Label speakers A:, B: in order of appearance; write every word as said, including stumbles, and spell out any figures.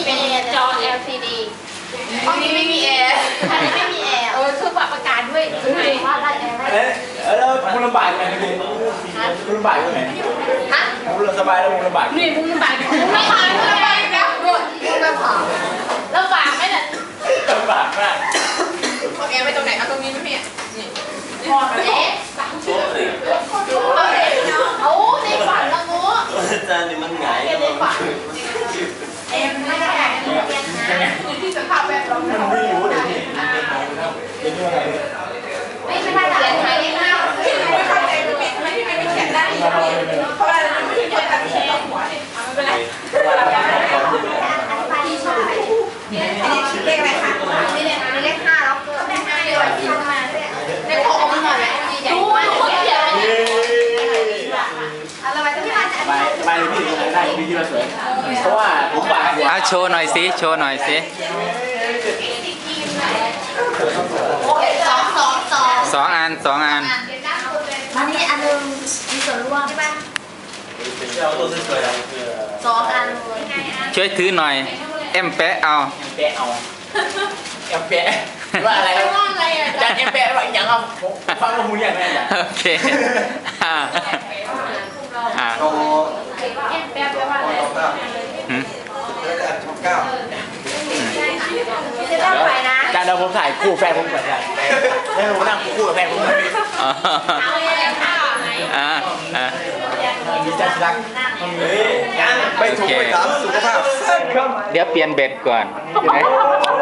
A: เป็นจอ แอล ซี ดี
B: ห้องนี้ไม่มีแอร์อันนี้ไม่มีแอร์
A: เออคือปรับอากาศด้วยว่าได้แอร์ได้
C: แล้วแล้วคุณลำบากยังไงคุณคุณลำบากยังไง
B: ฮะ
C: คุณสบายแล้วคุณลำบาก
A: นี่มึงลำบากไม่ผ่านลำบากนะหมด
B: ไม่ผ่าน
A: ลำบากไหมเนี่ย
C: ลำบากมาก
B: ห้องแอร์ไปตรงไหนเอาตรงนี้ไม่มีนี่
A: พอแล้วเอาในฝันละงู
D: จานนี่มันไง
A: ในฝันเอ็มไม่ได้ที่สภาพแวดล้อม
C: มันไม่รู้เลยพี่เป็นยังไง
A: ไม่ไม่ได้เขียนไทยหน้า
B: ไม่เข้าใจทำไมทำไมที่ไม่เขียนได้เพราะว่าเราไม่เขียนแต่เขียนหัวเนี่ยไม่เป็นไรที่ชอบเลขอะไรคะนี่เลขนี่เลขห้าแล้วก็เลขห้าเลขที่มาเลขหกมาหน่อยดูเขาเขียนอะไรไปที่มา
C: สบายสบายเลยพี่ได้พี่ที่มาสวยเพราะว่าผมบาก
E: เอาโชว์หน่อยสิโชว์หน่อยสิ
B: สองสองสอง
E: สองอันสองอัน
B: อันนี้อันนึงมีส่วนร่วมใช่ไหม
D: เราตัวสวยๆเรา
B: สองอัน
E: ช่วยถือหน่อยเอ็มแปะเอา
C: แปะเอาแอมแปะว่าอะไรจานแอมแปะว่าอย่างเอาฟังว่าหูอย่างไรอย่าง
E: โอเคอ่าอ่า
D: โต
A: แอบแบบแปลว่าอะไร
E: หืม
D: ช่องเก้า
B: จะต้องไปนะ
C: จานเราผมถ่ายคู่แฟนผมก่อนได้ให้ผมนั่งคู่กับแฟนผม
E: อ๋อ
A: เอาอะไรข้าวไง
E: อ่าอ่า
C: มีจัดรัก
D: เฮ้ยยังไปถูกไปตามสุขภาพ
E: เดี๋ยวเปลี่ยนเบ็ดก่อน